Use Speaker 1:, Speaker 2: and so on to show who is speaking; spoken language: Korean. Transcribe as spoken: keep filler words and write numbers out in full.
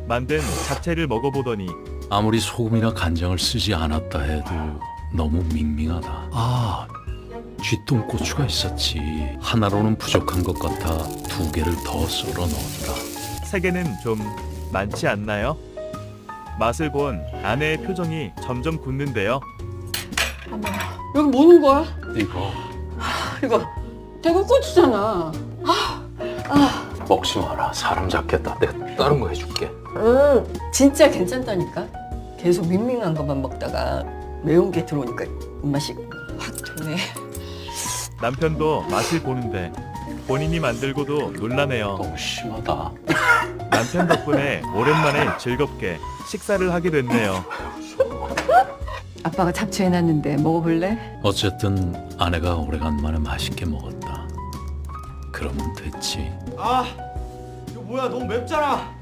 Speaker 1: 만든 잡채를 먹어보더니
Speaker 2: 아무리 소금이나 간장을 쓰지 않았다 해도 너무 밍밍하다. 아, 쥐똥고추가 있었지. 하나로는 부족한 것 같아 두 개를 더 썰어 넣었다.
Speaker 1: 세 개는 좀 많지 않나요? 맛을 본 아내의 표정이 점점 굳는데요.
Speaker 3: 여기 뭐는 거야?
Speaker 2: 이거
Speaker 3: 이거 대구고추잖아.
Speaker 2: 먹지 마라. 사람 잡겠다. 내가 다른 거 해줄게.
Speaker 3: 응, 진짜 괜찮다니까. 계속 밍밍한 것만 먹다가 매운 게 들어오니까 입맛이 확 도네.
Speaker 1: 남편도 맛을 보는데 본인이 만들고도 놀라네요.
Speaker 2: 너무 심하다.
Speaker 1: 남편 덕분에 오랜만에 즐겁게 식사를 하게 됐네요.
Speaker 4: 아빠가 잡채 해놨는데 먹어볼래?
Speaker 2: 어쨌든 아내가 오래간만에 맛있게 먹었다. 그러면 됐지.
Speaker 5: 아, 이거 뭐야? 너무 맵잖아.